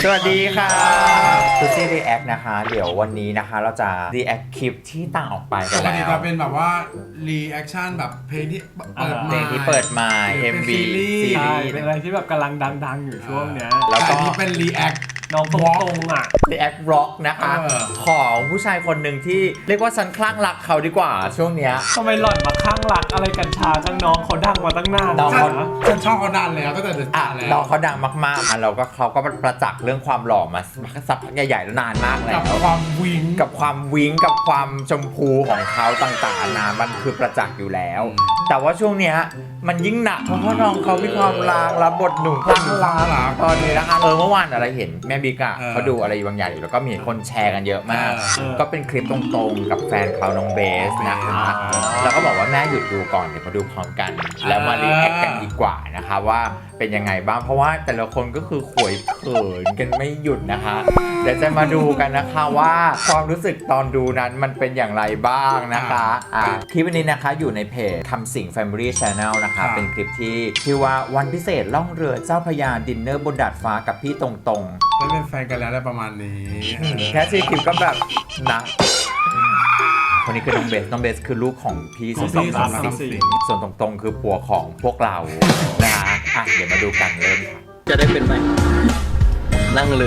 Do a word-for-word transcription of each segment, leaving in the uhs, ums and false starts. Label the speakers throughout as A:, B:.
A: สวัสดีค่ะซูซี่รีแอคนะคะเดี๋ยววันนี้นะคะเราจะรีแอคคลิปที่ต่างออกไปกั
B: ป
A: น
B: ก
A: แล้
B: ติ
A: ว
B: จะเป็นแบบว่ารีแอคชั่นแบบเพลงที่เปิด
A: เพ
B: มา
A: ลงที่เปิดมา เอ็ม วี ซี
C: ใช่
A: รีส์
C: เป็นอะไรที่แบบกำลังดังๆอยู่ช่วงเนี้ย
A: แล้ว
B: แต่
A: ก็
B: อันนี้เป็นรีแอค
C: น้องตรงๆอ่ะ
A: รีแอคร็อกนะคะ
B: เออ
A: ของผู้ชายคนหนึ่งที่เรียกว่าฉันคลั่งรักเขาดีกว่าช่วงเนี้ย
C: ทำไมหล่อนมาข้างรักอะไรกันชาจังน้องเขาดังมาตั้งนาน
A: น้อง
B: ฉั
A: เขา
B: นฉันชอบเขานานแล้วตั้งแต่เด็ก
A: อ่ะ
B: แล้ว
A: น้องเขาดังมากๆอ่ะเราก็เขาก็ประจักษ์เรื่องความหล่อมาสักพักใหญ่ๆแล้วนานมากแล้
B: กับ
A: ว
B: ความวิง
A: กับความวิ้งกับความชมพูของเขาต่างๆนานามันคือประจักษ์อยู่แล้ว แต่ว่าช่วงเนี้ยมันยิ่งหนักเพราะว่าน้องเขามีความลางรับบทหนุ่มคลั่งรักตอนนี้นะคะเออเมื่อวานอะไรเห็นแม่บิ๊กอะเขาดูอะไรบางอย่างอยู่แล้วก็มีคนแชร์กันเยอะมาก ก็เป็นคลิปตรงๆกับแฟนเขาน้องเบสนะคะแล้วก็บอกว่าแม่หยุดดูก่อนเดี๋ยวมาดูพร้อมกัน แล้วมารีแอคกันดีกว่านะคะว่าเป็นยังไงบ้างเพราะว่าแต่ละคนก็คือขวยเขินกันไม่หยุดนะคะเดี๋ยวจะมาดูกันนะคะว่าความรู้สึกตอนดูนั้นมันเป็นอย่างไรบ้างนะคะอ่ะคลิปนี้นะคะอยู่ในเพจทำสิ่ง Family Channel นะคะเป็นคลิปที่ชื่อว่าวันพิเศษล่องเรือเจ้าพระยาดินเนอร์บนดาดฟ้ากับพี่ตรงๆ
B: ได้เป็นแฟนกันแล้วอะไรประมาณนี้
A: แค่ชื่อคลิปก็แบบนะคนนี้คือน้องเบส น้องเบสคือลูกของพี่สมศักดิ์
B: สมศักดิ์
A: สิงห์ส่วนตรงๆคือผัวของพวกเรานะคะอ่ะเดี๋ยวมาดูกันเริ่มค่ะ
D: จะได้เป็นไหมนั่งเรือ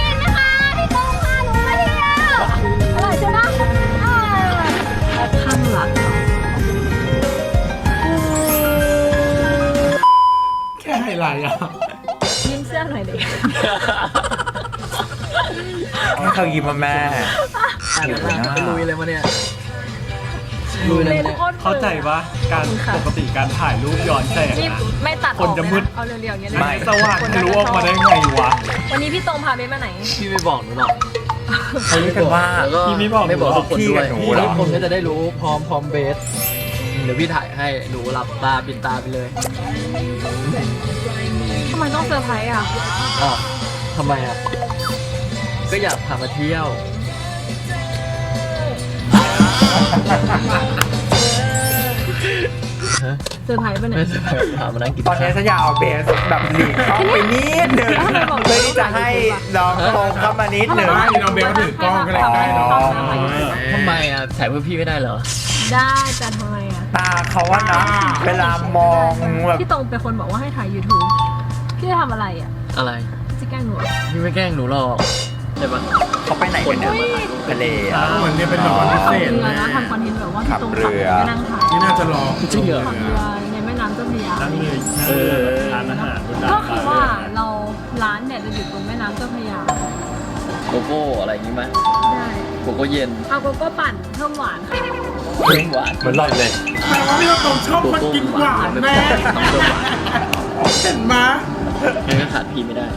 E: อร่อยใช่ไหมข้างหลัง
B: แค่ไฮไลท์อ่ะ
E: ยิ้มเสื้อหน่อยดิ
A: ให้เขายิ้มมาแม่
D: อยู่นะลุยเลยมาเนี่ยลุยเลยมาเนี่ย
C: เข้าใจปะการปกติการถ่ายรูปย้อนแสง
E: นี่
C: อะ
E: ไม่ตัดอ
C: คน
E: อก
C: จะ
E: เลย
C: มืด
E: นะเอาเรียวๆอย่างเงี้ยเลย
A: ไม่
C: สว่างทะลุออกมาได้ไงวะ
E: วันนี้พี่ตรงพาเบสมาไหน
D: พี่ไม่บอกหนูหรอก
A: เขาเรียกกันว่า
D: แล้วก็
C: พี่ไม่บอก
D: ไม่บอกทุกคน
A: พี่
D: ด้
A: กั
D: วย
A: บหนูเหรอ
D: ทุกคนก็จะได้รู้พร้อมพร้อมเบส เดี๋ยวพี่ถ่ายให้หนูหลับตาปิดตาไปเลย
E: ทำไมต้องเซอร์ไพรส์อ่ะ
D: อ้าวทำไมอ่ะ ก็อยากพามาเที่ยว
E: เซอร์ไพรส์ไปไหน
D: ไม่ใช่พามานั่งกิน
A: ตอนนี้ฉันอยากเอาเบสแบบหลีกเข้าไปนิดหนึ่ง
E: แล้วทำไมบอก
A: เพื่อที่จะให้น้องตรงเข้ามานิดหนึ่ง
B: ไม่น้องเบลก็ถือกล้องก็เลยใกล้เนาะ
D: ทำไมอ่ะถ่ายเพื่อพี่ไม่ได้เหรอ
E: ได้แต่ทำไมอ่ะ
A: ตาเขาว่านะเวลามองแบบ
E: พี่ตรงเป็นคนบอกว่าให้ถ่าย YouTube พี่จะทำอะไรอ่ะ
D: อะไร
E: จะแกล้งหนูเหรอ
D: พี่ไม่แกล้งหนูหรอกใช่ปะ
A: เขาไปไหนกันเนี่ยทะเลอ่ะ
B: เหมือนเนี่ยเป็นแบบวันพิ
E: ขับ
B: เศษ
E: เรือ
B: นะ
E: นะทำคอนเทนต์แบบว่าพี่ตรง
A: ขั
E: ขั
A: บบ เรือ
E: ก็นั่งถ่าย
B: นี่น่าจะรอ
D: จริงเหรอ
E: ขับเรือในแม่น้ำเจ้าพระยา
C: นั่งเลย
D: เออ
C: ทานอาหารบนดาด
E: ก็
C: ฟ้า
E: คือว่าเราร้านเนี่ยจะอยู่ตรงแม่น้ำเจ้าพระยา
D: โกโก้อะไรอย่างงี้ไหม
E: ได้
D: โกโก้เย็น
E: เอาโกโก้ปั่นเพิ่มหวานค่ะ
D: เพิ่มหวาน
A: เหมือนหล่อนเลย
B: แต่ว่าพี่ต้องชอบมันกินหวานแม่
D: ต้องเพิ่มหวาน
B: เห็นไหม
D: งั้นก็ขาดพี่ไม่ได้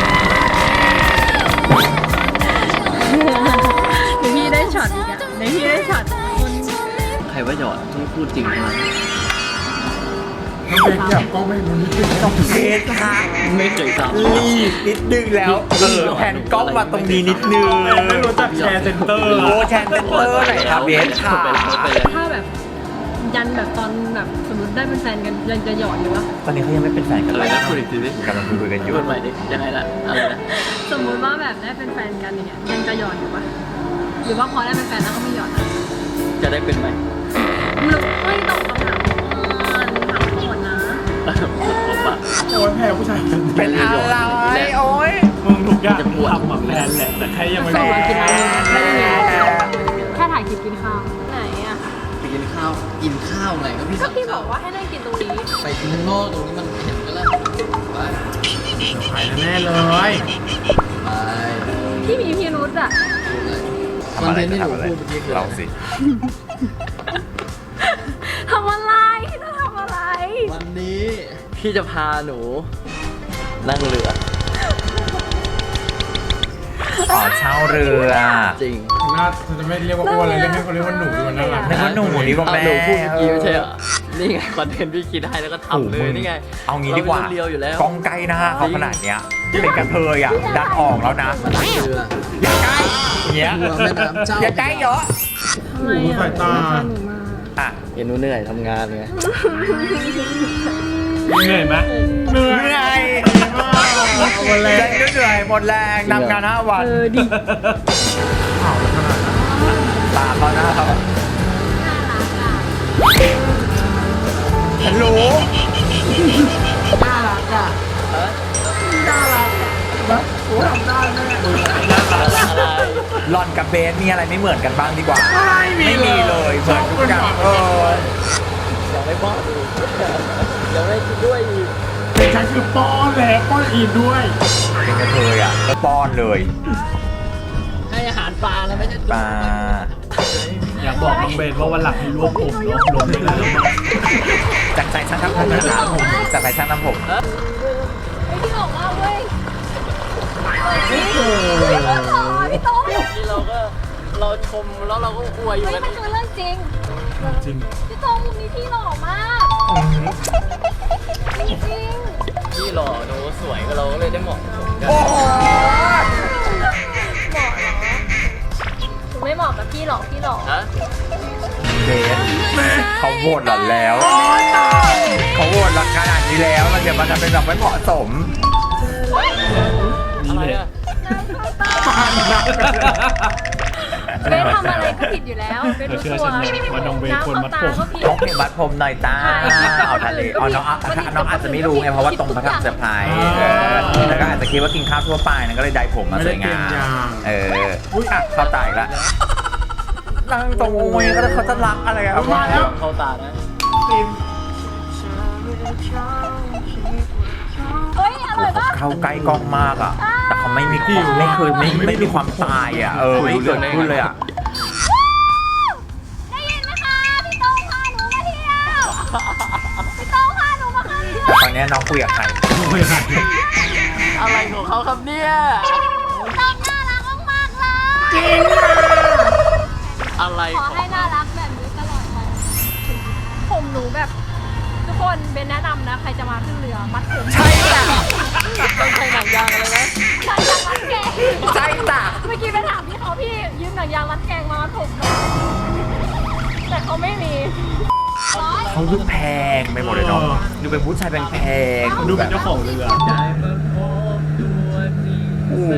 E: เดี๋ยวพี่ได้ช็อตอีกอะเดี๋ยวพี่ได้ช็อตคน
D: ใครว่าหยอดที่พูดจริงนะ
B: น้องเบลอยากกล้องไม่รู้นิดนึง
A: ต้องเบสค่ะ
D: ไม่เคยทำ
A: รีบนิดนึงแล้วเออแผ่นกล้องมาตรงนี้นิดนึง
C: ไม่รู้จักแชร์เซ็นเตอร์
A: โอ้
C: อะ
A: แชนเซนเตอร์ไหนครับเบสค่ะ
D: ไปแล้วไปแล้ว
E: ถ้าแบบยันแบบตอนแบบสมมติได้เป็นแฟนกันยังจะหยอดอยู่วะ
A: ตอนนี้เขายังไม่เป็นแฟนกัน
D: อะไร
A: เลย
D: นะพูดอีกทีดิ
A: กำลังคุยกันอยู่
D: พูดใหม่ดิยังไงล่ะอะไรนะ
E: สมมุติว่าแบบได้เป็นแฟนกันอย่างเงี้ยยังจะหยอดอยู่ปะหรือว่าพอได้เป็นแฟนแล้วก็ไม่หยอดอะ
D: จะได้เป็นไหม
E: หรือไม่ตอบคำถามก่อนถามก่อนนะ
D: ผมปะ
B: โอ้ยแพ้ผู้ชายคน
A: เป็นอะไรโอ้ย
C: มึงทุกอย่างทำมาแพลนแหละแต่แค่ยังไม่
E: ส่ง
C: รู้
E: มากินอะไรไม่ได้มีแค่ถ่ายคลิปกินข้าวไหนอะ
D: ไปกินข้าวกินข้าวไงก็พี่
E: ก็
D: สั่ง
E: พี่บอกว่าให้นั่งกินตรงนี้
D: ไปกินข้างนอกตรงนี้มันเห็นกันแล้วไป
B: ขายแน่เลย
D: ไป
E: พี่มีพิรุธอะ
D: คอนเทนต์ที่หนูพูดเมื่อกี้คือ
A: เรา
D: อะไร
A: สิ
E: ทำอะไรจะทำอะไร
D: วันนี้พี่จะพาหนู นั่งเรือ
A: อ๋อเช่าเรือ
D: จริง
B: น่าจะไม่เรียกว่าอ้วนเลยเรียกให้เขาเรียกว่าหนูดีกว่าน่ารัก
A: นึกว่าหนูดีกว่า
D: เอา
A: แม่
D: หนูพูดเมื่อกี้ไม่ใช่เหรอนี่ไงคอนเทนต์พี่คิดได้แล้วก็ทำเลยนี่ไง
A: เอางี้ดีกว่า
D: เรเรียวอยู่แล้ว
A: กล้องใกล้หน้าเขาขนาดเนี้ยเป็นกระเทยอ่ะดันออกแล้วนะ
D: มานั่งเรือ
A: อย่าใกล้อย่างเงี้ย
D: เรือแม่น้ำเจ้า
A: อย่าใกล้เยอะ
E: ทำไมอะ
B: สายตา
E: หนูมา
A: อ่ะ
D: เห็นหนูเหนื่อยทำงานไง
C: เหนื่อยไหม
B: เหนื่
A: เหนื่
B: อ
A: อย ย
B: มาก
D: หมดแรง
A: แรงเหนื่อยหมดแรงนำงานห้าวัน
E: เออดิ
A: ตาเขาหน้าเขาฉันรู้ หล่อนกับเบสมีอะไรไม่เหมือนกันบ้างดีกว่า ไม่มีเลยเหมือนทุกอย่างเออ
D: ยังไม่ป้อนอีกยังไม่กินด้วยอีก
B: แต่ฉันคือป้อนแล้วป้อนอีกด้วย
A: เป็นกระเทยอ่ะก็ป้อนเลย
D: ให้อาหารปลาแล้วไม่ใช่
A: ปลา
C: อยากบอกน้องเบนว่าวันหลังให้รวบผมเนาะรวมไม่ได้แล้วมั้ง
A: จากใจช่างทำผมนะครับจากใจช่างทำผม
E: ไอ้ที่ออกมาเว้ยพี่โต้พี่โต้
D: ที่เราก็เราชมแล้วเราก็อวยอยู่
E: เฮ้ย
D: กัน
E: มันคือเรื่องจริง
C: จริง
E: พี่โต้มุมนี้พี่หล่อมากจริง
D: พี่หล่อหนูสวยก็เราก็เลยได้เหมาะสมกัน
A: โอ้โห
E: หนูไม่เหมาะกับพี่หรอกพี่หล่อ
D: ฮะ
A: เบสเขาโหวตหล่อนแล้วเขาโหวตหลักขนาดนี้แล้วมันเดี๋ยวมันจะเป็นแบบไม่เหมาะสม
C: นี่
D: อะไร
C: เลย
D: อะ
E: เบสทำอะไรก็ผิดอยู่แล้วเบส
C: เธอ
E: รู้
C: เชื่อ
E: ตัว
C: ฉันไหมว่าน้องเบนควรมัดผม
E: น้ำเอาตาก็ผิด
A: น้องเพลงบัดผมหน่อยจ้า
E: ใช่
A: เอาทะเลเอาน้องอ่ะน้องอาจจะไม่รู้ไงเพราะว่าตรงพระทำเซอร์ไพรส์เออแล้วก็อาจจะคิดว่ากินข้าวทั่วไปนั่นก็เลยได้ผมมาสวยงามเอออุ้ยอ่ะเข้าตาอีกแล้วนั่งตรงโอ้ยก็เขาจะรักอะไรอ่ะมาแล้ว
D: เข้าตานะ
E: เฮ้ยอร่อยปะ
A: เข้าใกล้กล้องมากอ่ะ แต่เขาไม่มีความไม่เคยไม่ไม่มีความตายอ่ะเออไม่เกิดขึ้นเลยอ่ะ
E: ได้ยินไหมคะพี่โต้งพาหนูมาเที่ยวพี่โต้งพาหนูมาเที่ยว
A: ตอนนี้น้องคุยกับใคร
D: อะไรของเขาครับเนี่ย
E: น้องน่ารักมากๆเลยจริง
D: อะไร
E: ขอให้น่ารักแบบนี้ตลอดไปผมหนูแบบทุกคนเบนแนะนำนะใครจะมาขึ้นเรือมัดผม
A: ใช่จ้ะ
D: ต้องใช้หนังยางอะไรนะ
E: หนังยางมัดแกง
A: ใช่จ้ะ
E: เมื่อกี้ไปถามพี่เขาพี่ยืมหนังยางมัดแกงมามัดผมหน่อยแต่เขาไม่มี
A: เขาดูแพงไปหมดเลยเนาะดูเป็นผู้ชายแพงๆ
C: ดูเป็นเจ้าของเรือ
D: ได้มาพบตัวจริง
A: โอ้โห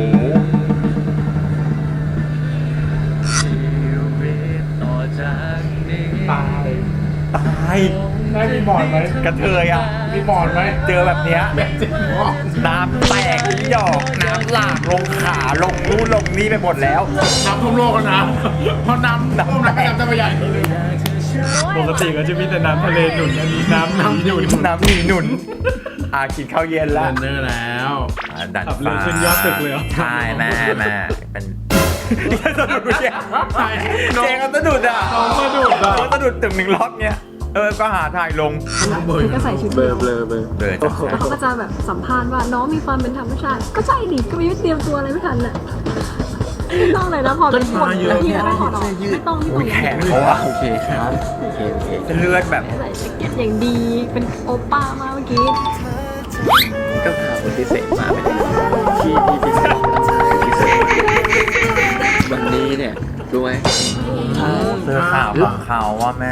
D: ชีวิตต่อจากนี้
B: ตาย
A: ตาย
B: ได้มีบอร์ดไหม
A: กระเทยอ่ะ
B: มีบอร์ดไหม
A: เจอแบบเนี้ย
B: แบบจริงเหรอ
A: น้ำแตกหยอกน้ำหลากลงขาลงนู่นลงนี่ไปหมดแล้ว
B: น้ำท่วมโลกแล้วนะเพราะน้ำท่วมแล้วน้ำจะไปใหญ่ทีนึง
C: ปกติก็จะมีแต่น้ำทะเลหนุนอันนี้น้ำน้ำหนุน
A: น้ำหนีหนุนอากินข้าวเย็น
B: เดิ
A: แล้ว
B: นเนอร์แล้ว
A: อ่าดัน
C: ขับเรือ
A: ฟ้า
C: ขึ้นยอดตึกเลยเหรอ
A: ใช่แม่แม่เป็นสะดุดเนี่ยเจงก็สะดุดอ่ะ
C: น้องสะดุดอ่ะ
A: เขาสะดุดตึงหนึ่งรอบเนี้ยเออก็หาถ่ายลง
E: ก็ใส่ชุด
D: เบลอเบลอเบลอ
A: เลยจ้ะ
E: แล้วเขาก็จะแบบสัมภาษณ์ว่าน้องมีความเป็นธรรมชาติ ก็ใช่ดิก็ไม่เตรียมตัวอะไรไม่ทันน่ะไม่ต้องเลยนะพอเป็นคนแล้วพี่ไม่ถอดออกไม่ต้องไม่ต้
A: อุ้
E: อง
A: ยแขนเขาอ่ะ
D: โอเคครับ โอเคโอเค
A: จะเลือดแบบ
E: ใส่แจ็คเก็ตอย่างดีเป็นโอป้ามาเมื่อกี้
D: ก็พาคนพิเศษมาไม่ได้ที่ที่พิเศษพิเศษวันนี้เนี่ยรู้ไหม
A: เสื้อขาวของเขาว่าแม่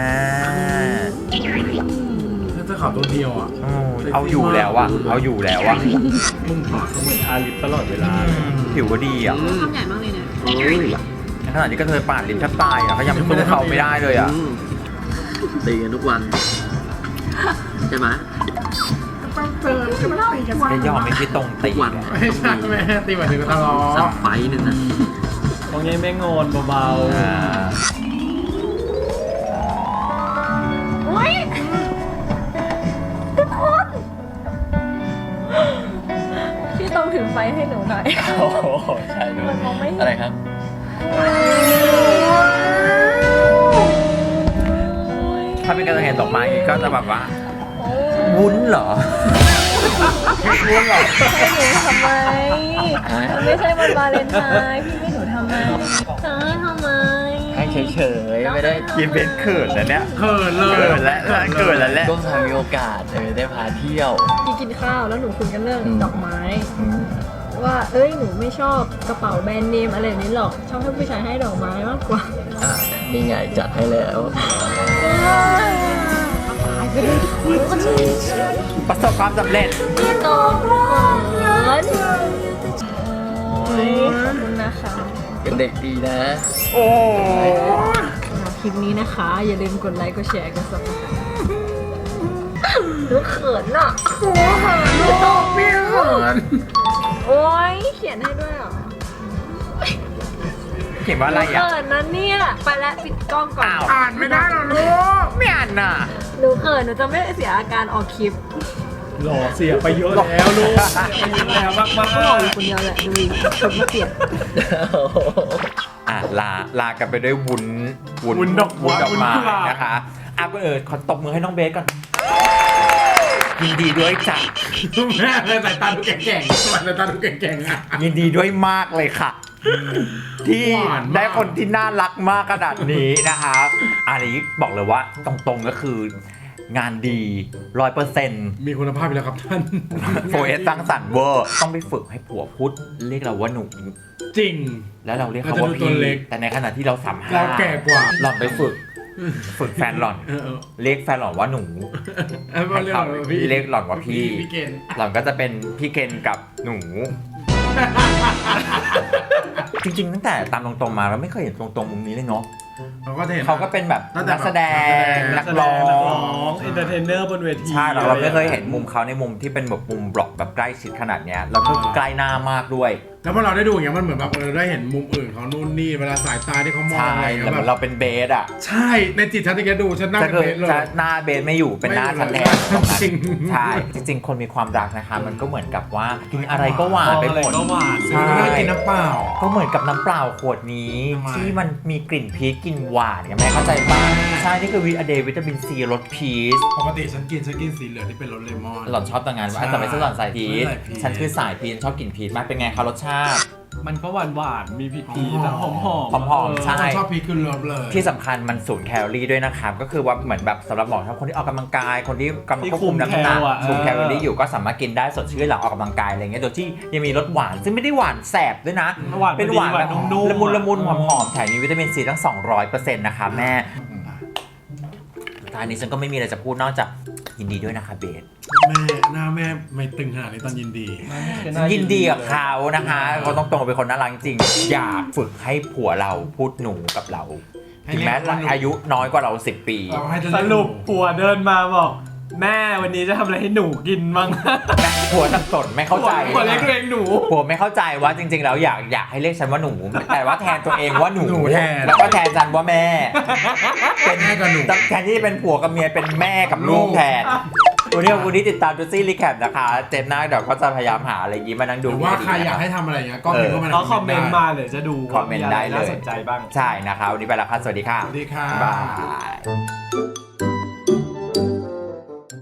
B: ถ้าจะขาวตัวเดียวอ่ะ
A: โอ้ยเอาอยู่แล้วอะเอาอยู่แล้วอะ
B: มึงผ่าเขาเหมือน
C: ทาลิปตลอดเวลา
A: ผิวก็ดีอะ
E: ทำใหญ่มากเลยนะ
D: อุ้ย
A: ในขณะที่ก็เธอปาดลิ้นแทบตายอะเขายังสู้เขาไม่ได้เลยอะ
D: อืมตีกันทุกวัน ใช่ไหม
A: ไม่ยอมไม่คิดตรงตี
D: ทุกวัน
A: อะ
B: ไม่ใช่แม่ตีหมายถึงตลอ
D: สั
B: ด
D: บไฟหนึ่งนะ
C: ตรงนี้แม่งอนเบา
A: อ่า
E: อุ้ยทุกคนพี่ต้องถือไฟให้หนูหน่อย
D: โอ้โหใช่ด้วย
E: มันมองไม่เห็น
D: อะไรครับ
A: ถ้าเป็นการเห็นดอกไม้อย่างงี้ก็จะแบบว่า วุ้นเหรอ วุ้นเหรอ
E: ให้หนูทำไมมันไม่ใช่วันวาเลนไทน์พี่ให้หนูทำไมจะให้ทำไม
D: ให้เฉยๆ ไม่ได้
A: กินเป็นเขินแล้วเนี่ย
B: เขินเลย
A: เกิดแล้วเกิดแล้วแหละ
D: ก็พามีโอกาสเออได้พาเที่ยว
E: พี่กินข้าวแล้วหนูคุยกันเรื่อง
D: อืม
E: ดอกไม้ ว่าเอ้ยหนูไม่ชอบกระเป๋าแบรนด์เนมอะไรแบบนี้หรอกชอบให้ผู้ชายให้ดอกไม้มากกว่า
D: อ่ะนี่ไงจัดให้แล้ว
E: ตายไปเลยทุกค
A: ประสบความสำเร็จ
E: พี่โตเขินโอ้ยขอบคุณนะคะ
D: เป็นเด็กดีนะ
A: โอ้
E: คลิปนี้นะคะ อย่าลืมกดไลค์ กดแชร์ กดซับสไครต์หนูเขินอ่ะโอ้เขินพี่โตพี่เขินโอ้ยเขียนให้ด้วยเหรอ
A: เขียนว่าอะไรอ่ะ
E: เขินนะเนี่ย ไปแล้วปิดกล้องก่อน
A: อ้าว
B: อ่านไม่ได้หรอลูก
A: ไม่อ่านน่ะ
E: หนูเขินหนูจะไม่เสียอาการออกคลิป
C: หล่อเสียไปเยอะแล้วลูกเสียไปเยอะแล้วมาก
E: ก็หล่ออยู่คนเดียวแหละดูดิคนมาเกลียด
A: อ่ะลาลากันไปด้วยวุ้น
C: วุ้นดอก
A: วุ้นดอกไม้
C: วุ้นกุหลาบ
A: นะคะอ่ะก็เออขอตบมือให้น้องเบสก่อนยินดีด้วยจ้ะ
B: แม่เลยสายตาดูแก่งๆสายตาดูแก่งๆอ่ะ
A: ยินดีด้วยมากเลยค่ะ ที่
B: หวานมาก
A: ได้คนที่น่ารักมากขนาดนี้นะคะอันนี้บอกเลยว่าตรงๆก็คือ งานดีร้อยเปอร์เซ็นต์
B: มีคุณภาพอยู่แล้วครับท่าน
A: โฟเอสสร้างสรรค์เวอร์ต้องไปฝึกให้ผัวพูดเรียกเราว่าหนู
B: จริง
A: แล้วเราเรียกเขา
B: เรา
A: ว่า
B: จะดูตัว
A: พี่
B: เล็ก
A: แต่ในขณะที่เราสามห้า
B: เราแก่กว่า
A: หล่อนไปฝึก ฝึกแฟนหล่อน
B: เออเออ
A: เรียกแฟนหล่อนว่าหนู
B: เออ
A: ให้
B: เรียก
A: เขา
B: ว่าพี่
A: เรียกหล่อนว่าพี่
B: พี่เกณฑ์
A: หล่อนก็จะเป็นพี่เกณฑ์กับหนู จริงๆตั้งแต่ตามตรงๆมาเราไม่เคยเห็นตรงๆมุมนี้เลยเนาะ
B: เราก็จะเห็น
A: เขาก็เป็นแบบ
B: ตั้งแต่
A: นักแสดง
B: แบบ
A: นัก
C: ๆ
A: ร้อ
C: นัก
A: ง
C: ร้องเอนเตอร์เทนเนอร์บนเวที
A: ใช่เราเราไม่เคยเห็นมุมเขาในมุมที่เป็นแบบมุมบล็อกแบบใกล้ชิดขนาดเนี้ยแล้วก็ใกล้หน้ามากด้วย
B: แล้วพอเราได้ดูอย่างเงี้ยมันเหมือนแบบเออได้เห็นมุมอื่นเขานู่นนี่เวลาสายตาที่เขามอง
A: ใช่
B: อะไรอย่าง
A: แล้ว
B: เงี้ย
A: เหมือน
B: แบ
A: เรา
B: บ
A: เป็นเบสอ่ะ
B: ใช่ในจิตฉันที่แกดูฉันนั่ง
A: จะ
B: เป็น
A: คือ
B: เบสเลย
A: จะหน้าเบสไม่อยู่เป็นหน้าฉันแทนตรงนั้น
B: จริง
A: ใช่จริง ๆ คนมีความรักนะคะ มันก็เหมือนกับว่ากินอะไรก็หวานไปหมด
C: ก็หวาน
A: ใช่
B: ไม่ได้กินน้ำเปล่า
A: ก็เหมือนกับน้ำเปล่าขวดนี้
B: ทำไม
A: ที่มันมีกลิ่นพีชกลิ่นหวานไงแม่เข้าใจป่ะใช่นี่คือวิตาเดย์วิตามินซีรสพีช
B: ปกติฉันกินฉันกินสีเหลืองที่เป็นรสเลมอน
A: หล่อนชอบต่างงานว่าแต่ไม่ใช่หล่อนสายพีช
B: ไม่ใส่พีช
A: ฉันคือสายพีชชอบกลิ่นพีชมากเป็นไงคะรสชาติ
C: มันก็หวานหวานๆมีผิดพีแต่หอมหอม
A: หอมๆใช่
B: ฉันชอบพีชคือเลิฟเลย
A: ที่สำคัญมันศูนย์แคลอรี่ด้วยนะครับก็คือว่าเหมือนแบบสำหรับหมอทั้งคนที่ออกกำลังกายคนที่กำลังควบคุมน้ำหนักคุมแคลอรี่อยู่ก็สามารถกินได้สดชื่นหลังออกกำลังกายอะไรเงี้ยโดยที่ยังมีรสหวานซึ่งไม่ได้หวานแสบด้วยนะ
C: หวาน
A: เป็นหวาน
C: หวาน
A: แบบ
C: นุ่มๆ
A: ละมุนละมุนหอมหอมๆแถมมีวิตามินซีทั้ง สองร้อยเปอร์เซ็นต์ นะคะแม่ตอนนี้ฉันก็ไม่มีอะไรจะพูดนอกจากยินดีด้วยนะคะเบส
B: แม่หน้าแม่ไม่ตึงขนาดนี้ตอนยินดี
A: ยินดีกับเขานะคะเขาต้องตรงเป็นคนน่ารักจริงอยากฝึกให้ผัวเราพูดหนูกับเราถึงแม้อายุน้อยกว่าเราสิบปี
B: เราให้เธอ
C: สรุปผัวเดินมาบอก แม่วันนี้จะทำอะไรให้หนูกินบ้าง
A: ผัวสับสนไม่เข้าใจ
C: ผัวเรียกตัวเองหนู
A: ผัวไม่เข้าใจว่าจริงๆแล้วอยากอยากให้เรียกฉันว่าหนู แต่ว่าแทนตัวเองว่าหนู
B: หนูแทน
A: แล้วก็แทนฉันว่าแม่ เป็น
B: แม่กับหนู
A: แทนที่จะเป็นผัวกับเมียเป็นแม่กับลูกแทนวันนี้วันนี้ติดตามดูซี่รีแคปนะคะเจนหน้าเดี๋ยวก็จะพยายามหาอะไรยิ้มมานั่ง
B: ห
A: ดู
B: รือว่าใครอยากให้ทำอะไรอย่างเงี้ยก็พิมพ์เข้ามาใน
C: เขาคอมเมนต์มาเดี๋ยวจะดู
A: คอมเมนต์ได้เลย
C: น่าสนใจบ้าง
A: ใช่นะคะวันนี้ไปแล้วค่ะสวัสดีค่ะ
B: สวัสดีค่ะ
A: บ๊ายบาย